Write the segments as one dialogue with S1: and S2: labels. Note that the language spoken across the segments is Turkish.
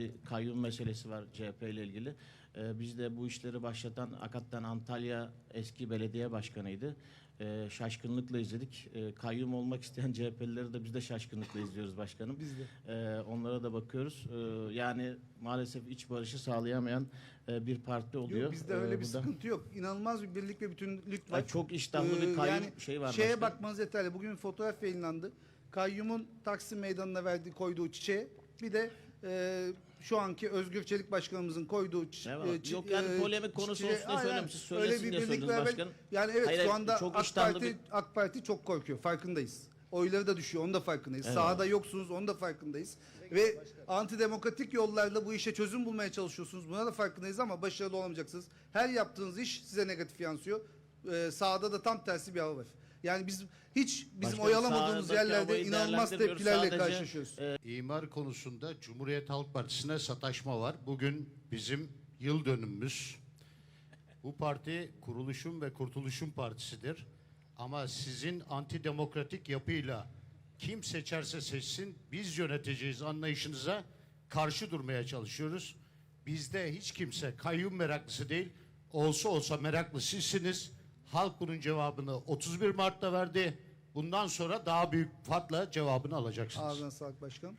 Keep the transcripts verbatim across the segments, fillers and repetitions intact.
S1: bir kayyum meselesi var C H P ile ilgili. Ee, biz de bu işleri başlatan hakikaten Antalya eski belediye başkanıydı. Ee, şaşkınlıkla izledik. Ee, kayyum olmak isteyen C H P'lileri de biz de şaşkınlıkla izliyoruz başkanım.
S2: Biz de.
S1: Ee, onlara da bakıyoruz. Ee, yani maalesef iç barışı sağlayamayan e, bir parti oluyor.
S2: Yok, bizde öyle
S1: Ee,
S2: bir
S1: bu da-
S2: sıkıntı yok. İnanılmaz bir birlik ve bütünlük var.
S1: Ay, çok iştahlı
S2: Ee,
S1: bir kayyum
S2: yani
S1: şey var.
S2: Şeye
S1: başkanım.
S2: bakmanız yeterli. Bugün fotoğraf yayınlandı. Kayyumun Taksim Meydanı'na verdiği, koyduğu çiçeğe, bir de e, şu anki Özgür Çelik Başkanımızın koyduğu çi-
S1: Eyvallah.
S2: e, çi-
S1: Yok yani
S2: e,
S1: polemik konusu
S2: çiçeğe-
S1: olsun diye
S2: Aynen.
S1: söylüyorum. Siz
S2: Öyle
S1: söylesin
S2: bir
S1: diye
S2: birlik
S1: söylediniz
S2: beraber.
S1: başkanım.
S2: Yani evet,
S1: Hayır,
S2: şu
S1: hayır,
S2: anda
S1: çok
S2: AK
S1: iştahlı
S2: Parti,
S1: bir-
S2: AK Parti çok korkuyor. Farkındayız. Oyları da düşüyor. Onun da farkındayız.
S1: Evet.
S2: Sahada yoksunuz. Onun da farkındayız. Ve antidemokratik yollarla bu işe çözüm bulmaya çalışıyorsunuz. Buna da farkındayız ama başarılı olamayacaksınız. Her yaptığınız iş size negatif yansıyor. Ee, sahada da tam tersi bir hava var. Yani biz hiç bizim
S1: Başkanım,
S2: oyalamadığımız
S1: sahadaki
S2: yerlerde
S1: havayı
S2: inanılmaz
S1: değerlendirmiyoruz.
S2: tepkilerle
S1: Sadece,
S2: karşılaşıyoruz.
S1: e,
S3: İmar konusunda Cumhuriyet Halk Partisi'ne sataşma var. Bugün bizim yıl dönümümüz. Bu parti kuruluşun ve kurtuluşun partisidir. Ama sizin antidemokratik yapıyla kim seçerse seçsin biz yöneteceğiz anlayışınıza karşı durmaya çalışıyoruz. Bizde hiç kimse kayyum meraklısı değil. Olsa olsa meraklı sizsiniz. Halk bunun cevabını otuz bir Mart'ta verdi. Bundan sonra daha büyük farkla cevabını alacaksınız.
S2: Ağzına sağlık başkanım.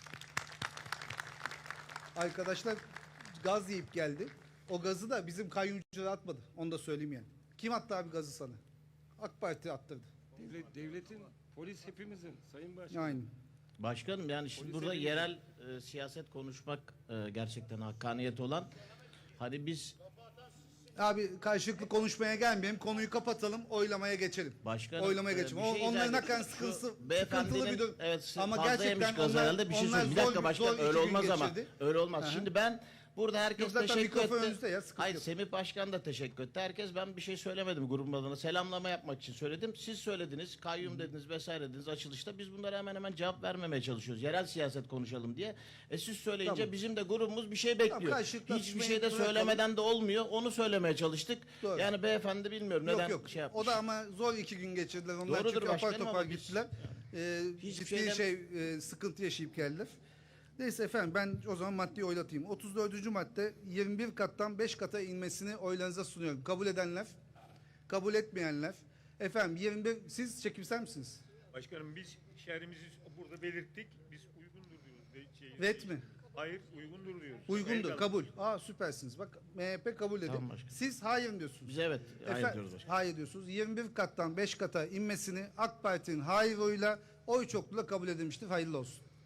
S2: Arkadaşlar gaz yiyip geldi. O gazı da bizim kayyumcular atmadı. Onu da söyleyeyim yani. Kim attı abi gazı sana? AK Parti attırdı.
S4: Devlet, devletin, polis hepimizin Sayın Başkanım.
S2: Aynı.
S1: Başkanım yani şimdi
S4: Polise
S1: burada
S4: bir-
S1: yerel e, siyaset konuşmak e, gerçekten hakkaniyet olan. Hani biz
S2: Abi karşılıklı konuşmaya gelmeyelim. Konuyu kapatalım. Oylamaya geçelim.
S1: Başkanım,
S2: Oylamaya
S1: e,
S2: geçelim.
S1: bir
S2: O,
S1: şey
S2: onların
S1: izah
S2: hakikaten
S1: edeyim.
S2: sıkıntısı,
S1: Şu beyefendinin,
S2: sıkıntılı bir durum.
S1: evet,
S2: Ama
S1: fazla yemiş
S2: gerçekten
S1: gaz
S2: onlar,
S1: herhalde. Bir şey
S2: onlar
S1: söyleyeyim. Bir dakika
S2: zor-
S1: başkanım,
S2: zor
S1: öyle
S2: iki gün
S1: olmaz ama.
S2: geçirdi.
S1: Öyle olmaz.
S2: Aha.
S1: Şimdi ben burada herkes
S2: Yok, zaten
S1: teşekkür
S2: mikrofon
S1: etti.
S2: önünüzde ya, sıkıntı
S1: Hayır,
S2: yok.
S1: Semih Başkan da teşekkür etti. Herkes, ben bir şey söylemedim grubun adına. Selamlama yapmak için söyledim. Siz söylediniz, kayyum dediniz vesaire dediniz açılışta. Biz bunlara hemen hemen cevap vermemeye çalışıyoruz. Yerel siyaset konuşalım diye. E siz söyleyince
S2: Tamam.
S1: bizim de grubumuz bir şey bekliyor.
S2: karşılıklı
S1: Hiçbir
S2: atışmayı
S1: şey de
S2: bırakalım.
S1: söylemeden de olmuyor. Onu söylemeye çalıştık.
S2: Doğru.
S1: Yani beyefendi bilmiyorum neden
S2: Yok yok.
S1: şey yapmış.
S2: O da ama zor iki gün geçirdiler. Onlar
S1: Doğrudur
S2: çünkü apar
S1: başkanım
S2: topar
S1: ama biz-
S2: gittiler. Ee,
S1: Hiçbir
S2: ciddi
S1: şeyden-
S2: şey e, sıkıntı yaşayıp geldiler. Neyse efendim, ben o zaman maddeyi oylatayım. otuz dördüncü madde, yirmi bir kattan beş kata inmesini oylarınıza sunuyorum. Kabul edenler, kabul etmeyenler. Efendim yirmi bir, siz çekimser misiniz?
S5: Başkanım biz şehrimizi burada belirttik. Biz uygundur diyoruz. De- Şey,
S2: Vet mi?
S5: Hayır, uygundur diyoruz.
S2: Uygundur,
S5: Eyvallah.
S2: kabul. Aa süpersiniz. Bak M H P kabul dedi.
S1: Tamam başkanım.
S2: Siz hayır mı diyorsunuz?
S1: Biz evet, hayır
S2: Efe-
S1: diyoruz başkanım.
S2: Hayır diyorsunuz. yirmi bir kattan beş kata inmesini AK Parti'nin hayır oyuyla, oy çokluğuyla kabul edilmiştir. Hayırlı olsun.